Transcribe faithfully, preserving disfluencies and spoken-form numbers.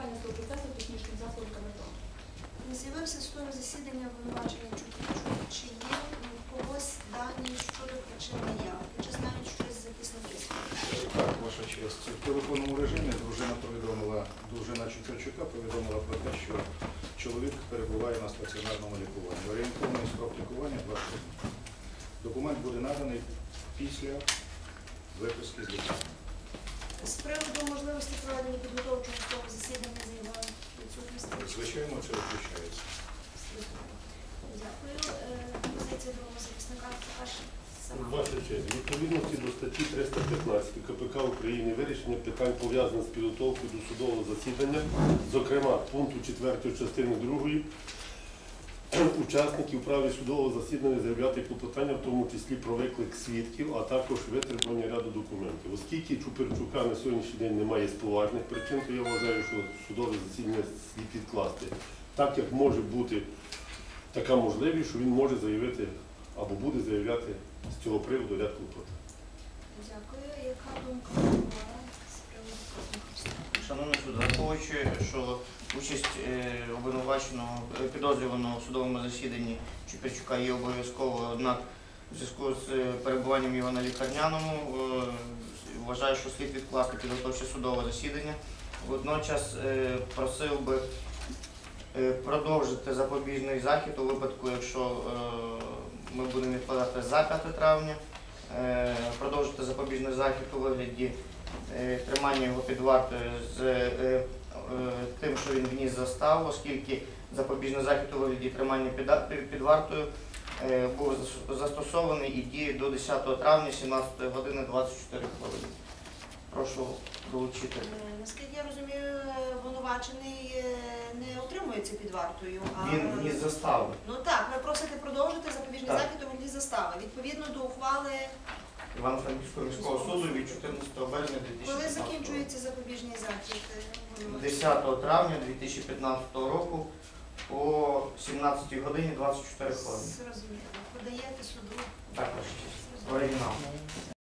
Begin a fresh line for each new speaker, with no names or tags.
застосування цього процесу технічним засобом КМТО.
Не з'явився судове засідання обвинувачення Чупричук. Чи є в когось дані щодо причин неявки? Чи знають щось з захисників?
Так, ваша честь. В телефонному режимі дружина повідомила, дружина Чупричука повідомила про те, що чоловік перебуває на стаціонарному лікуванні. Орієнтовний строк лікування два тижні. Документ буде наданий після виписки з лікарні.
З приводу можливості проведення підготовчого судового засідання заявили відсутності.
Звичайно, це виключається.
Дякую. Позиція другого захисника також сама.
Ваша честь, в відповідності до статті триста п'ятнадцять КПК України вирішення питань пов'язаних з підготовкою до судового засідання, зокрема пункту четвертої частини другої, учасників в праві судового засідання заявляти клопотання, в тому числі про виклик свідків, а також витребування ряду документів. Оскільки Чупричука на сьогоднішній день немає з поважних причин, то я вважаю, що судове засідання слід відкласти. Так як може бути така можливість, що він може заявити або буде заявляти з цього приводу ряд клопотань.
Дякую. Яка думка прокурора з приводу Козміковського?
Шановний суд, враховуючи, що участь обвинуваченого підозрюваного в судовому засіданні Чупричука є обов'язковою, однак у зв'язку з перебуванням його на лікарняному вважаю, що слід відкласти підготовче судове засідання. Водночас просив би продовжити запобіжний захід у випадку, якщо ми будемо відкладати за п'яте травня, продовжити запобіжний захід у вигляді тримання його під вартою з тим, що він вніс заставу, оскільки запобіжний захід у вигляді тримання під вартою був застосований і діє до десятого травня сімнадцятої години двадцять чотири хвилини. Прошу долучити.
Наскільки я розумію, обвинувачений не утримується під вартою. А...
Він вніс заставу.
Ну так, ви просите продовжити запобіжний
Так.
захід у вигляді застави. Відповідно до ухвали,
Івано-Франківського міського суду від чотирнадцятого березня дві тисячі
коли
п'ятнадцятого року.
закінчується запобіжний захід?
десятого травня дві тисячі п'ятнадцятого року о сімнадцятій годині двадцять чотири хвилини.
Зрозуміло. Подаєте суду.
Так, оригінал.